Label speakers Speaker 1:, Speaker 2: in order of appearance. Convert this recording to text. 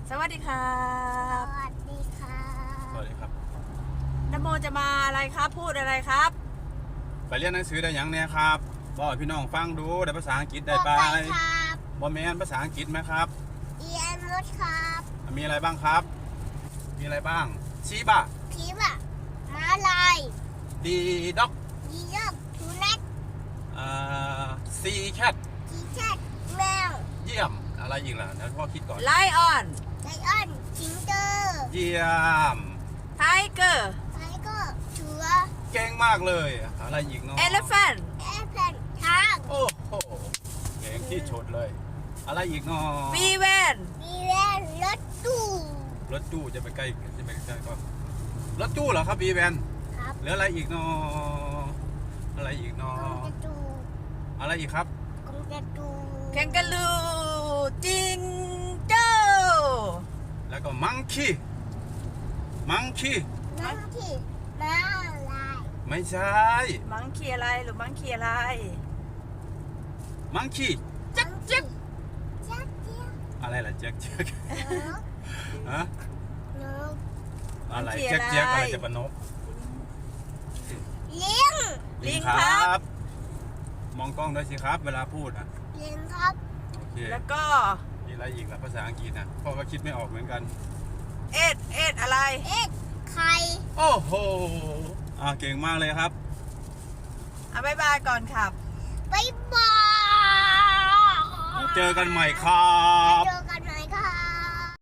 Speaker 1: สวัสดีครับ
Speaker 2: สวัสดีค่ะ
Speaker 3: สวัสดีครับ
Speaker 1: นโมจะมาอะไรครับ พูดอะไรครับ
Speaker 3: ไปเรียนหนังสือได้ยังเนี่ยครับบอกให้พี่น้องฟังดูได้ภาษาอังกฤษได้ไป
Speaker 2: ครับ
Speaker 3: บอแมนภาษาอังกฤษไหมครับ
Speaker 2: เอียนรถครับ
Speaker 3: มีอะไรบ้างครับ มีอะไรบ้างชีบะ
Speaker 2: พีบะม้าลาย
Speaker 3: ดีด็อก
Speaker 2: ยีราฟสุนัข
Speaker 3: ซีแคท
Speaker 2: จีแคทแมว
Speaker 3: เยี่ยมอะไรอีกล่ะเดี๋ยวพ่อคิดก่อน
Speaker 1: ไลออน
Speaker 2: ไลออนสิงโต
Speaker 3: เยี่ยม
Speaker 1: ไทเกอร์
Speaker 2: ไทเกอร์เสือ
Speaker 3: เก่งมากเลยอะไรอีกเนาะ
Speaker 1: เอลเฟน
Speaker 2: แอร์แพลนช้าง
Speaker 3: โอ้โหเก่งที่ชดเลย อะไรอีกเนาะ
Speaker 1: บีเวน
Speaker 2: มีแวนรถตู้
Speaker 3: รถตู้จะไปใกล้ก็รถตู้เหรอครับบีแวน
Speaker 2: ครับ
Speaker 3: เหลืออะไรอีกเนาะอะไรอีกเนาะ
Speaker 2: กงกระจู
Speaker 3: อะไรอีกครับ
Speaker 2: กงกระจู
Speaker 1: แคนการูจิงโจ้
Speaker 3: แล้วก็มังคีมังคี
Speaker 2: น้ำที่ม้าลาย
Speaker 3: ไม่ใช่
Speaker 1: มังคีอะไรหรือมังคีอะไร
Speaker 3: มังคี
Speaker 2: จักจักจักเจี๊ยบ
Speaker 3: อะไรล่ะเจ๊กเจ๊ก
Speaker 2: นก
Speaker 3: ฮะ
Speaker 2: นก
Speaker 3: อะไรเจ๊กเจ๊กอะไรจะปนก
Speaker 2: เลี้ยง
Speaker 1: ลิงครับ
Speaker 3: มองกล้องด้วยสิครับ เวลาพูดอ่ะ
Speaker 2: เลี้ยงครับ
Speaker 3: โอเค
Speaker 1: แล้วก็
Speaker 3: มีอะไรอีกล่ะภาษาอังกฤษนะพ่อก็คิดไม่ออกเหมือนกัน
Speaker 1: เอ็ดอะไร
Speaker 2: เอ็ดไข่
Speaker 3: โอ้โหเก่งมากเลยครับ
Speaker 1: อ่ะบายบายก่อนครับ
Speaker 2: บ๊ายบาย
Speaker 3: เจอกันใหม่ครับ
Speaker 2: เจอกัน